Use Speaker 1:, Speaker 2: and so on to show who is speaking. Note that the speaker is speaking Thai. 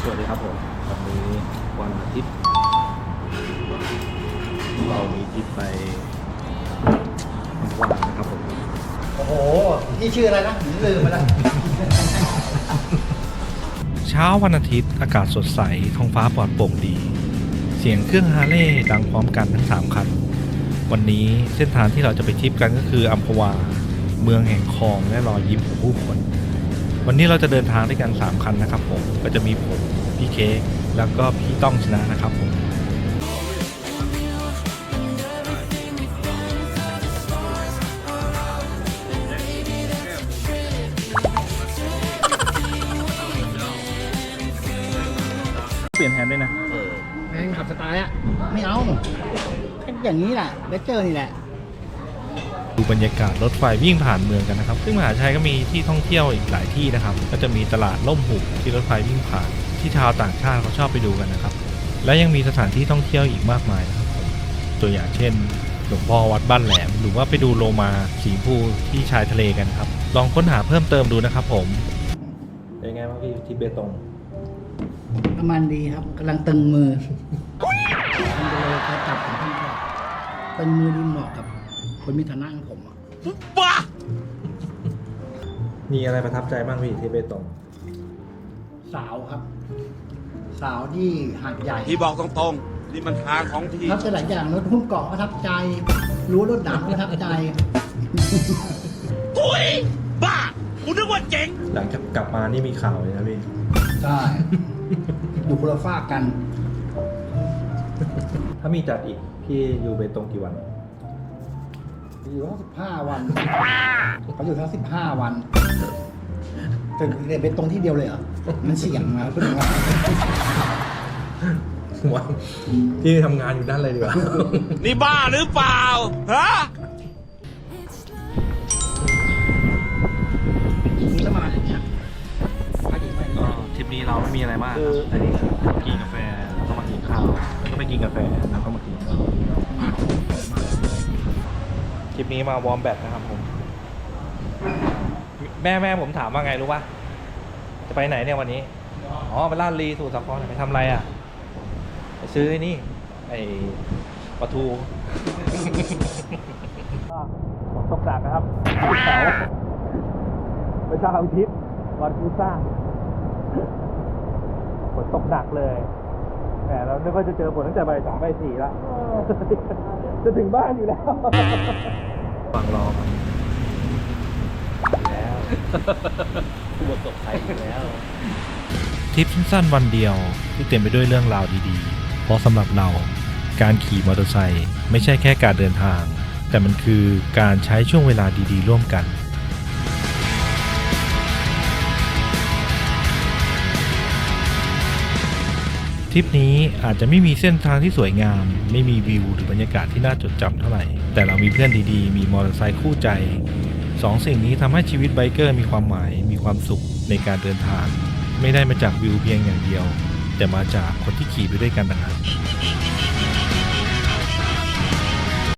Speaker 1: สวัสดีครับผมวันนี้วันอาทิตย์เรามีทริปไปอัมพวานะครับผม
Speaker 2: โอ้โหพี่ชื่ออะไรนะผมลืมไปแล้ว
Speaker 3: เช้าวันอาทิตย์อากาศสดใสท้องฟ้าปลอดโปร่งดี เสียงเครื่องฮาร์เลย์ดังพร้อมกันทั้ง3คันวันนี้เส้นทางที่เราจะไปทริปกันก็คืออัมพวาเมืองแห่งคลองและรอยยิ้มของผู้คนวันนี้เราจะเดินทางด้วยกัน3คันนะครับผมก็จะมีผมพี่เค้กแล้วก็พี่ต้องชนะนะครับผมเปลี่ยนแฮนด์ด้วยนะ
Speaker 2: แม่งขับสไตล์อะไม่เอาอย่างนี้แหละเลเจอร์นี่แหละ
Speaker 3: ดูบรรยากาศรถไฟวิ่งผ่านเมืองกันนะครับซึ่งมหาชัยก็มีที่ท่องเที่ยวอีกหลายที่นะครับก็จะมีตลาดล่มหุบที่รถไฟวิ่งผ่านที่ชาวต่างชาติเขาชอบไปดูกันนะครับและยังมีสถานที่ท่องเที่ยวอีกมากมายนะครับผมตัวอย่างเช่นหลวงพ่อวัดบ้านแหลมหรือว่าไปดูโลมาสีภูที่ชายทะเลกันครับลองค้นหาเพิ่มเติมดูนะครับผมเป็นไงบ้างพี่ที่เบตง
Speaker 2: น้ำมันดีครับกำลังตึงมือมันจะเลยเขาจับผมที่ว่าตึงมือดีเหมาะกับคนมีฐานะของผมอะ
Speaker 3: มีอะไรประทับใจบ้างพี่ที่เบตง
Speaker 2: สาวครับ สาวที่หาดใหญ่
Speaker 4: ที่บอกตรงๆ นี่มันทางของที่
Speaker 2: ทับใจหลายอย่างรถหุ้มเกาะประทับใจ รู้รถด่างประทับใจ
Speaker 4: อุ้ย บ้ากูนึกว่าเจ๋ง
Speaker 3: หลังจากกลับมานี่มีข่าวเลยนะพี่
Speaker 2: ใช่อยู่คนละฝากกัน
Speaker 3: ถ้ามีจัดอีกพี่อยู่เบตงกี่วัน
Speaker 2: อยู่ทั้ง15 วันเขาอยู่ทั้ง15 วันแต่เรียนเป็นตรงที่เดียวเลยเหรอมันเสี่ยงนะเพื่อนว่า
Speaker 3: วันพี่ทำงานอยู่ด้านอะไรดีกว่า
Speaker 4: นี่บ้าหรือเปล่า ฮะ
Speaker 2: นี่ก็มาอย่างเงี้ยมาดีไหม
Speaker 3: ก็ทริปนี้เราไม่มีอะไรมากครับอันนี้กินกาแฟแล้วก็มากินข้าวแล้วก็ไปกินกาแฟแล้วก็มากินข้าวทริปนี้มาวอร์มแบตนะครับผมแม่ผมถามว่าไงรู้ป่ะจะไปไหนเนี่ยวันนี้อ๋อไปลาดลีสู่สาครไปทำอะไรอ่ะไปซื้อไอ้นี่ไอ้ปลาทูฝนตกหนักนะครับเสาร์ไปเช้าอาทิตย์วันพุธสร้างฝนตกหนักเลยแหมเราไม่ค่อยจะเจอฝนตั้งแต่บ่าย 3 บ่าย 4แล้วจะถึงบ้านอยู่แล้วฟังรอมาแล้วผู้ประสบภัยอยู่แล้วทริปสั้นๆวันเดียวที่เต็มไปด้วยเรื่องราวดีๆเพราะสำหรับเราการขี่มอเตอร์ไซค์ไม่ใช่แค่การเดินทางแต่มันคือการใช้ช่วงเวลาดีๆร่วมกันทริปนี้อาจจะไม่มีเส้นทางที่สวยงามไม่มีวิวหรือบรรยากาศที่น่าจดจำเท่าไหร่แต่เรามีเพื่อนดีๆมีมอเตอร์ไซค์คู่ใจสองสิ่งนี้ทำให้ชีวิตไบเกอร์มีความหมายมีความสุขในการเดินทางไม่ได้มาจากวิวเพียงอย่างเดียวแต่มาจากคนที่ขี่ไปด้วยกันต่างหาก